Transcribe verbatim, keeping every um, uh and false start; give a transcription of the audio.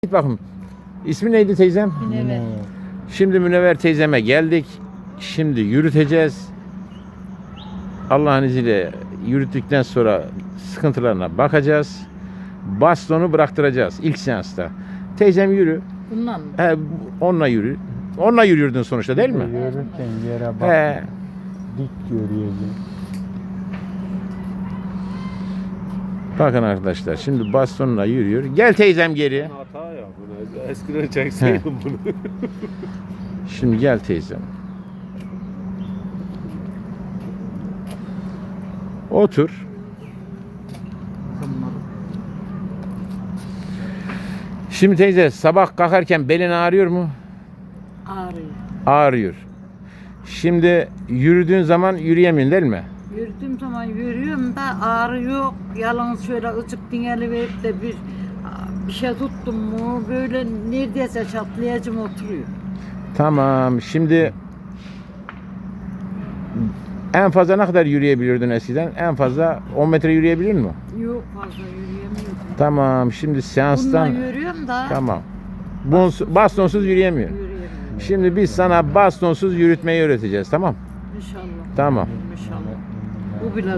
Git bakın. İsmi neydi teyzem? Münevver. Şimdi Münevver teyzeme geldik. Şimdi yürüteceğiz. Allah'ın izniyle yürüttükten sonra sıkıntılarına bakacağız. Bastonu bıraktıracağız ilk seansta. Teyzem yürü. Bundan mı? He, onunla yürü. Onunla yürüyordun sonuçta değil mi? Yürürken yere bak. He. Dik görüyorsun. Bakın arkadaşlar şimdi bastonla yürüyor. Gel teyzem geri. Hata ya bunu. Eskiden çekseydim bunu. Şimdi gel teyzem. Otur. Şimdi teyze sabah kalkarken belin ağrıyor mu? Ağrıyor. Ağrıyor. Şimdi yürüdüğün zaman yürüyemiyorsun değil mi? Yürüdüğüm zaman yürüyorum da ağrı yok. Yalnız şöyle ıcık dingeli verip de bir bir şey tuttum mu böyle neredeyse çatlayacım oturuyor. Tamam. Şimdi en fazla ne kadar yürüyebiliyordun eskiden? En fazla on metre yürüyebilir mi? Yok fazla yürüyemiyorum. Tamam. Şimdi seanstan Bununla yürüyorum da tamam. Bons- bastonsuz yürüyemiyor. yürüyemiyorum. Şimdi biz sana bastonsuz yürütmeyi öğreteceğiz. Tamam? İnşallah. Tamam. İnşallah. Bu bile